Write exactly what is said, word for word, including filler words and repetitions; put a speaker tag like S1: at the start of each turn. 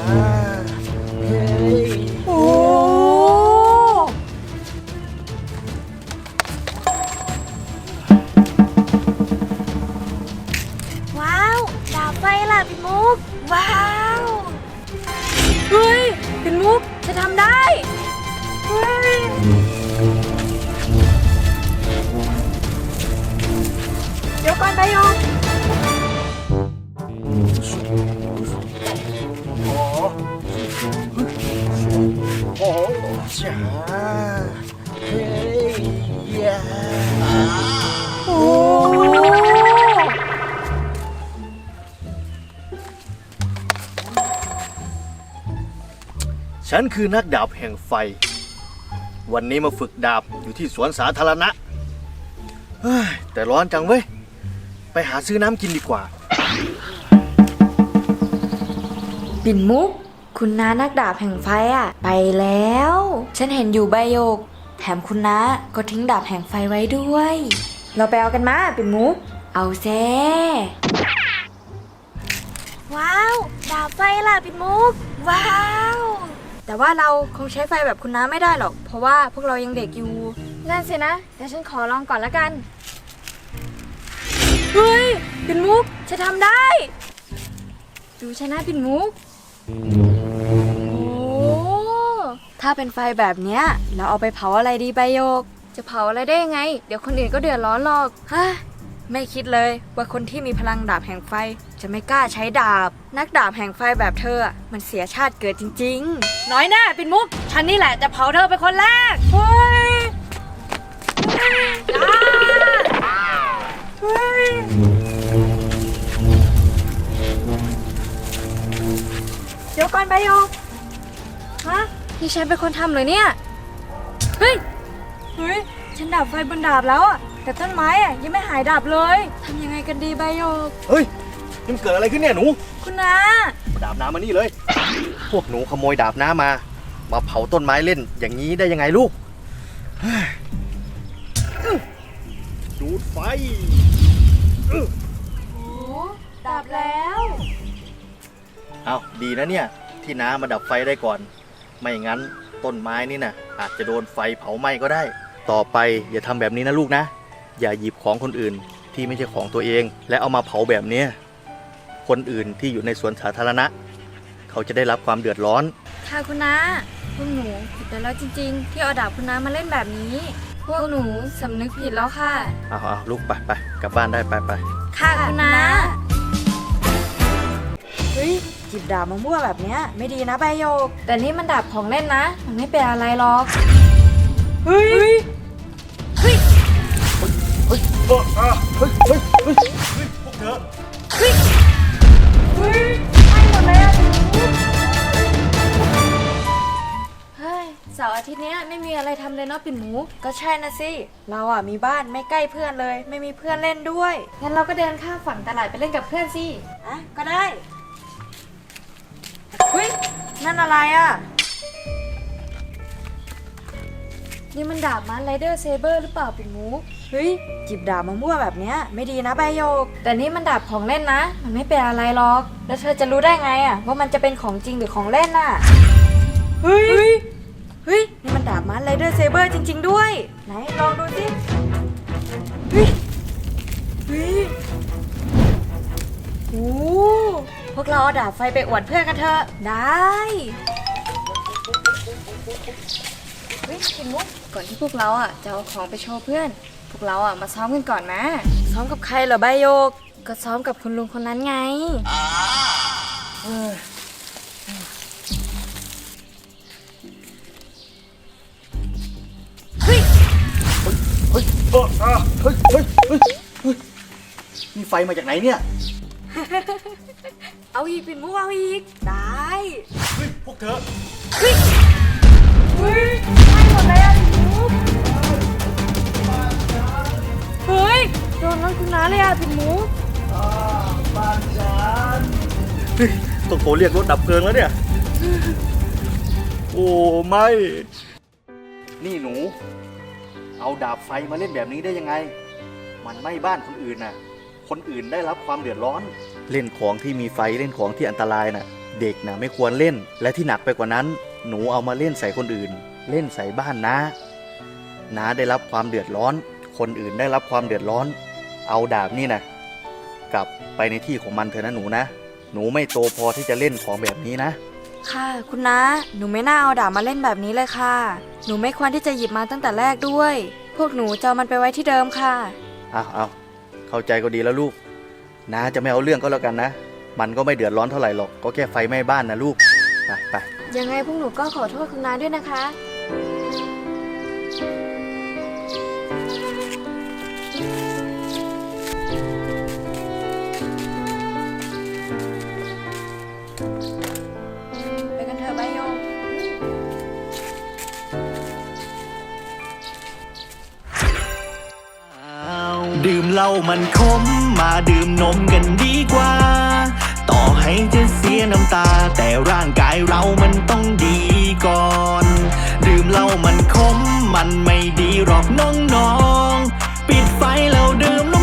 S1: เฮ้ยโอ้
S2: ว้าวดาบไฟล่ะปิ่นมุกว้าวเฮ้ยปิ่นมุกจะทำได้เฮ้ยเดี๋ยวก่อนไปยง
S1: โอ้จ้าเฮ้ยยาโอ้ฉันคือนักดาบแห่งไฟวันนี้มาฝึกดาบอยู่ที่สวนสาธารณะเฮ้ยแต่ร้อนจังเว้ยไปหาซื้อน้ำกินดีกว่า
S2: ปิ่นมุกคุณน้านักดาบแห่งไฟอ่ะไปแล้วฉันเห็นอยู่ใบโยกแถมคุณน้าก็ทิ้งดาบแห่งไฟไว้ด้วยเราไปเอากันมาปิ่นมุกเอาแซ่ว้าวดาบไฟล่ะปิ่นมุกว้าวแต่ว่าเราคงใช้ไฟแบบคุณน้าไม่ได้หรอกเพราะว่าพวกเรายังเด็กอยู่นั่นสินะเดี๋ยวฉันขอลองก่อนละกันเฮ้ยปิ่นมุกจะทำได้ดูชนะปิ่นมุกโอ้ถ้าเป็นไฟแบบเนี้ยเราเอาไปเผาอะไรดีใบโยกจะเผาอะไรได้ยังไงเดี๋ยวคนอื่นก็เดือดร้อนหรอกฮะไม่คิดเลยว่าคนที่มีพลังดาบแห่งไฟจะไม่กล้าใช้ดาบนักดาบแห่งไฟแบบเธอมันเสียชาติเกิดจริงๆน้อยหน้าปิ่นมุกฉันนี่แหละจะเผาเธอเป็นคนแรกเฮ้ยเฮ้ยเดี๋ยวก่อนใบโยกฮะนี่ฉันเป็นคนทำเลยเนี่ยเฮ้ยเฮ้ยฉันดับไฟบนดาบแล้วอะแต่ต้นไม้อะยังไม่หายดับเลยทำยังไงกันดีใบโยก
S1: เฮ้ยนี่มันเกิดอะไรขึ้นเนี่ยหนู
S2: คุณน้า
S1: ดาบน้ำมานี่เลยพวกหนูขโมยดาบน้ำมามาเผาต้นไม้เล่นอย่างนี้ได้ยังไงลูกดูดไฟ
S2: โอ้ดับแล้ว
S1: เอาดีนะเนี่ยที่น้ามาดับไฟได้ก่อนไม่งั้นต้นไม้นี่นะอาจจะโดนไฟเผาไหม้ก็ได้ต่อไปอย่าทำแบบนี้นะลูกนะอย่าหยิบของคนอื่นที่ไม่ใช่ของตัวเองและเอามาเผาแบบนี้คนอื่นที่อยู่ในสวนสาธารณะเขาจะได้รับความเดือดร้อน
S2: ค่ะคุณน้าพวกหนูผิดไปแล้วจริงๆที่เอาดาบคุณน้ามาเล่นแบบนี้พวกหนูสำนึกผิดแล้วค่ะ
S1: เอาเอาลูกไปไปกลับบ้านได้ไปไป
S2: ค่ะคุณน้าเฮ้ยจิบดาบมามั่วแบบเนี้ยไม่ดีนะใบโยกแต่นี่มันดาบของเล่นนะมันไม่เป็นอะไรหรอกเฮ้ยเฮ้ย
S1: เฮ้ยเฮ้ยเฮ้ยเฮ้ยเฮ้ยเฮ้ยพวกเธอ
S2: เฮ้ยเฮ้ยไม่หมดเลยอะเฮ้ยเสาร์อาทิตย์นี้ไม่มีอะไรทำเลยเนาะปิ่นหมูก็ใช่นะสิเราอ่ะมีบ้านไม่ใกล้เพื่อนเลยไม่มีเพื่อนเล่นด้วยงั้นเราก็เดินข้ามฝั่งตลาดไปเล่นกับเพื่อนสิอ่ะก็ได้เฮ้ยนั่นอะไรอ่ะนี่มันดาบมันไรเดอร์เซเบอร์หรือเปล่าปิ่นหมูเฮ้ยจิบดาบมามั่วแบบเนี้ยไม่ดีนะใบโยกแต่นี่มันดาบของเล่นนะมันไม่เป็นอะไรหรอกแล้วเธอจะรู้ได้ไงอ่ะว่ามันจะเป็นของจริงหรือของเล่นน่ะเฮ้ยเฮ้ยนี่มันดาบมันไรเดอร์เซเบอร์จริงๆด้วยไหนลองดูสิเฮ้ยเฮ้ยโอ้พวกเราเอาดาบไฟไปอวดเพื่อนกันเถอะได้เฮ้ยปิ่นมุกก่อนที่พวกเราอ่ะจะเอาของไปโชว์เพื่อนพวกเราอ่ะมาซ้อมกันก่อนนะซ้อมกับใครเหรอใบโยกก็ซ้อมกับคุณลุงคนนั้นไงเฮ้ย
S1: เฮ้ยเฮ้ยเฮ้ยเฮ้ยเฮ้ยเฮ้ยนี่ไฟมาจากไหนเนี่ย
S2: เอาอีกปิ่นมุกเอาอีกได้
S1: เฮ้ยพวกเธอ
S2: เฮ้ยเฮ้ยไม่หมดเลยอะปิ่นมุกเฮ้ยโดนรถคุณน้าเลยอะปิ่นมุก
S1: บ้านฉันเฮ้ยต้องโทรเรียกรถดับเพลิงแล้วเนี่ยโอ้ไม่นี่หนูเอาดาบไฟมาเล่นแบบนี้ได้ยังไงมันไหม้บ้านคนอื่นน่ะคนอื่นได้รับความเดือดร้อนเล่นของที่มีไฟเล่นของที่อันตรายน่ะเด็กนะไม่ควรเล่น และที่หนักไปกว่านั้น หนูเอามาเล่นใส่คนอื่น เล่นใส่บ้านนะน้าได้รับความเดือดร้อน คนอื่นได้รับความเดือดร้อน เอาดาบนี่นะกลับไปในที่ของมันเถอะนะหนูนะหนูไม่โตพอที่จะเล่นของแบบนี้นะ
S2: ค่ะคุณน้าหนูไม่น่าเอาดาบมาเล่นแบบนี้เลยค่ะหนูไม่ควรที่จะหยิบมาตั้งแต่แรกด้วย พวกหนูจะเอามันไปไว้ที่เดิมค่ะ
S1: เอาเอาเข้าใจก็ดีแล้วลูกน้าจะไม่เอาเรื่องก็แล้วกันนะมันก็ไม่เดือดร้อนเท่าไหร่หรอกก็แค่ไฟไหม้บ้านนะลูกไปไป
S2: ยังไงพวกหนูก็ขอโทษคุณน้าด้วยนะคะไปกันเถอะใบโยก
S3: ดื่มเหล้ามันขมมาดื่มนมกันดีกว่าต่อให้จะเสียน้ำตาแต่ร่างกายเรามันต้องดีก่อนดื่มเหล้ามันขมมันไม่ดีหรอกน้องๆปิดไฟแล้วดื่มน